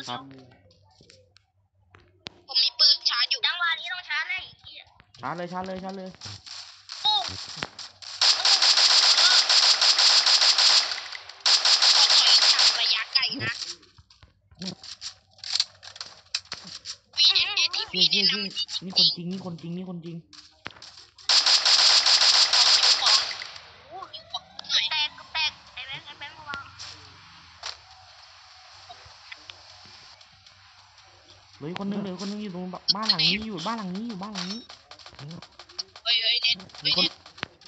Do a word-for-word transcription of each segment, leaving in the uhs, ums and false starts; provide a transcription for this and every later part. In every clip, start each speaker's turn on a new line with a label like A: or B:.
A: ครับ
B: ผมมีปืนชาร์จอยู่จังหวะนี้ต้องชาร์จเลย
A: ชาร์จเลยชาร์จเลยชาร์จเลย
B: ปุ๊บระยะไกลนะวีเอ็นเอทีพี
A: เชี่ย
B: เนี่ย
A: เชี่ย
B: นำ
A: นี่คนจริงนี่คนจริงนี่คนจริง
B: แตกแตกไอ้แบงค์ไอ้แบงค์ระวัง
A: เหลือคนนึงเหลือคนนึงอยู่ตรงบ้านหลังนี้อยู่บ้านหลังนี้อยู่บ้านหลังนี้
B: เฮ้ยเฮ้ยเน็ต
A: มี
B: เฮ้ย
A: คน
B: เน็ต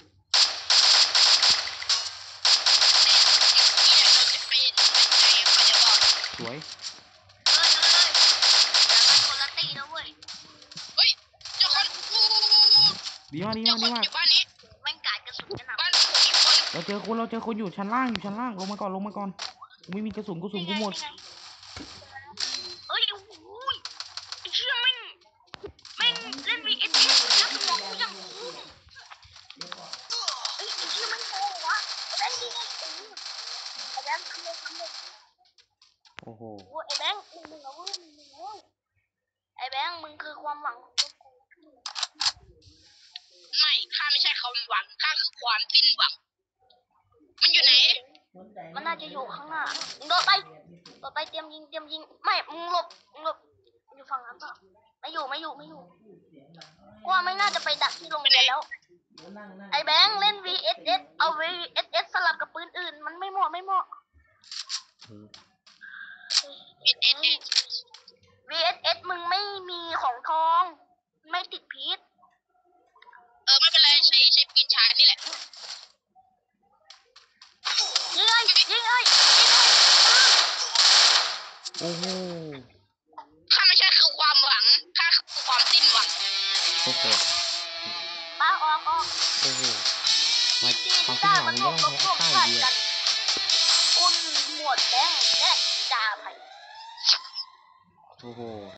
B: นี่เราจะเป็นเป็นไงเขาจะบอก
A: สวย
B: เฮ้ยเฮ้ยเดี๋ยวกันคนละตีนะเว้ยเฮ้ยเจ้าคนกู
A: ดีมากดี
B: เจ้าม
A: าก
B: ค
A: ดี
B: น
A: มาก
B: อยู่บ้านนี้แม่งกาดกระสุนกันหนักบ้านผมมีคน
A: เราเจอคนเราเจอคนอยู่ชั้นล่างอยู่ชั้นล่างลงมาก่อนลงมาก่อนกูไม่มีกระสุนกระสุนกูหมด
B: เอ้ยโอ้ยไอ้เชี่ยแม่งแม่งเล่น วี เอส เอส แล้วสมองกูยังคุ้มเอ้ยไอ้เชี่ยแม่งโกงวะไอ้แบงค์ดีไงไอ้แบงค์ทำเลยทำเลย
A: โอ้โห
B: โอ้ไอ้แบงค์มึงมึงเอาเว้ยมึงมึงเอาเว้ยไอ้แบงค์มึงคือความหวังของพวกกูไม่ข้าไม่ใช่ความหวังข้าคือความสิ้นหวังมันอยู่ไหนมันน่าจะอยู่ข้างหน้ามึงโดดไปโดดไปเตรียมยิงเตรียมยิงไม่มึงหลบมึงหลบอยู่ฝั่งนั้นเปล่าไม่อยู่ไม่อยู่ไม่อยู่กว่าไม่น่าจะไปดักที่โรงเรียนแล้วไอ้แบงค์เล่น วี เอส เอส เอา วี เอส เอส สลับกับปืนอื่นมันไม่เหมาะไม่เหมาะ วี เอส เอส มึงไม่มีของทองไม่ติดพิษเออไม่เป็นไรใช้ใช้ปืนชาร์จนี่แหละยิงเลยยิงเลยยิงเลย
A: โอ้โห
B: ข้าไม่ใช่คือความหวังข้าคือความสิ้นหวัง
A: โอเค
B: ป้าออกออก
A: โอ้โหมา
B: ที่
A: ความ
B: ที่
A: คิด
B: ได้
A: หวั
B: มั
A: ง
B: น
A: มึ
B: ร
A: ง
B: ว
A: ต้
B: บ
A: อง
B: รวบรวบ
A: ใช้ใต้
B: กัน
A: ดีอะ
B: คุณหมวดแบงค์และจ่าไผ่
A: โอ้โห